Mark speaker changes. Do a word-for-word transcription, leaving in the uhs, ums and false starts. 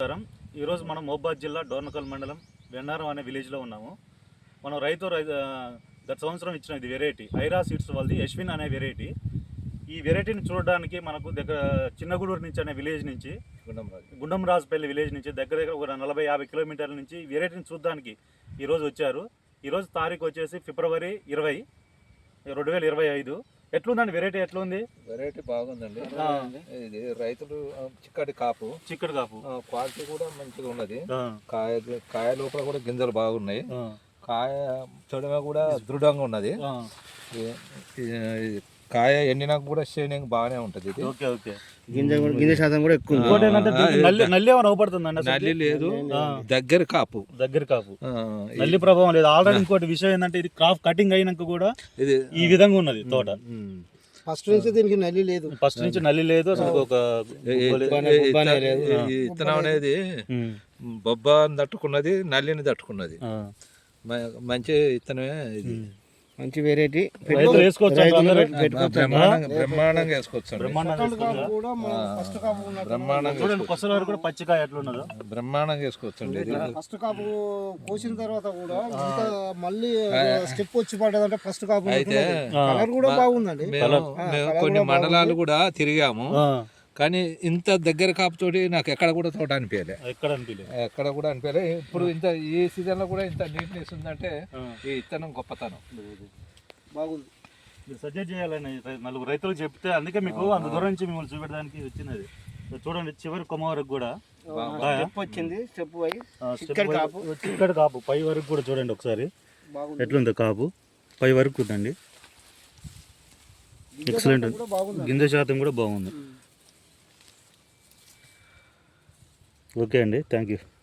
Speaker 1: నమస్కారం. ఈరోజు మనం మహబూబాబాద్ జిల్లా డోర్నకల్ మండలం వెన్నారం అనే విలేజ్లో ఉన్నాము. మనం రైతు రై గత సంవత్సరం ఇచ్చిన ఇది వెరైటీ ఐరా సీడ్స్ వాళ్ళది యశ్విన్ అనే వెరైటీ. ఈ వెరైటీని చూడడానికి మనకు దగ్గర చిన్నగూడూరు నుంచి అనే విలేజ్ నుంచి గుండంరాజుపల్లి విలేజ్ నుంచి దగ్గర దగ్గర ఒక నలభై యాభై కిలోమీటర్ల నుంచి ఈ వెరైటీని చూడడానికి ఈరోజు వచ్చారు. ఈరోజు తారీఖు వచ్చేసి ఫిబ్రవరి ఇరవై రెండు వేల ఇరవై ఐదు. ఎట్లుందండి వెరైటీ? ఎట్లుంది?
Speaker 2: వెరైటీ బాగుందండి. ఇది రైతులు చిక్కటి కాపు
Speaker 1: చిక్కటి కాపు
Speaker 2: క్వాలిటీ కూడా మంచిగా ఉన్నది. కాయ కాయ లోపల కూడా గింజలు బాగున్నాయి. కాయ చూడమే కూడా దృఢంగా ఉన్నది. కాయ ఎండినాక కూడా షైనింగ్ బాగానే ఉంటది. ఇది
Speaker 1: ఓకే ఓకే
Speaker 3: గింజ గింజ శాతం కూడా ఎక్కువ.
Speaker 1: నల్లి ఏమైనా అవపడుతుందండి?
Speaker 2: నల్లి లేదు, దగ్గర కాపు
Speaker 1: దగ్గర కాపు నల్లి ప్రభావం లేదు. ఆల్రెడీ ఇంకోటి విషయం ఏంటంటే ఇది క్రాప్ కటింగ్ అయినాక కూడా ఇది ఈ విధంగా ఉన్నది తోట.
Speaker 3: ఫస్ట్ నుంచి దీనికి నల్లి లేదు,
Speaker 1: ఫస్ట్ నుంచి నల్లి లేదు అసలు. ఒక
Speaker 2: విత్తనం అనేది బొబ్బ తట్టుకున్నది, నల్లిని తట్టుకున్నది. మంచి విత్తనమే ఇది.
Speaker 3: మంచి వెరైటీ.
Speaker 2: బ్రహ్మాండంగా వేసుకోవచ్చు.
Speaker 1: పచ్చికాయ ఎట్లున్నదో
Speaker 2: బ్రహ్మాండంగా వేసుకోవచ్చు.
Speaker 3: ఫస్ట్ కాపు కోసిన తర్వాత కూడా మళ్ళీ స్టెప్ వచ్చి పడ్డదంటే ఫస్ట్ కాపు అయితే కలర్ కూడా బాగుందండి.
Speaker 2: కొన్ని మండలాలు కూడా తిరిగాము కానీ ఇంత దగ్గర కాపుతోటి నాకు ఎక్కడ కూడా తోట అనిపించలే.
Speaker 1: ఎక్కడ అనిపించలే
Speaker 2: ఎక్కడ కూడా అనిపించలే. ఇప్పుడు ఇంత ఈ సీజన్ లో కూడా ఇంత నీట్నెస్ ఉందంటే ఈ విత్తనం గొప్పతనం.
Speaker 3: బాగుంది.
Speaker 1: మీరు సజెస్ట్ చేయాలని నలుగురు రైతులకు చెప్తే అందుకే మీకు అంత దూరం నుంచి మిమ్మల్ని చూపెట్టడానికి వచ్చినది. చూడండి చివరి కొమ్మ వరకు కూడా
Speaker 3: వచ్చింది. స్టెప్
Speaker 1: చిక్కటి కాపు పై వరకు కూడా చూడండి ఒకసారి ఎట్లుంది కాపు. పై వరకు ఉందండి. ఎక్సలెంట్. గింజ శాతం కూడా బాగుంది. ఓకే అండి, థ్యాంక్ యూ.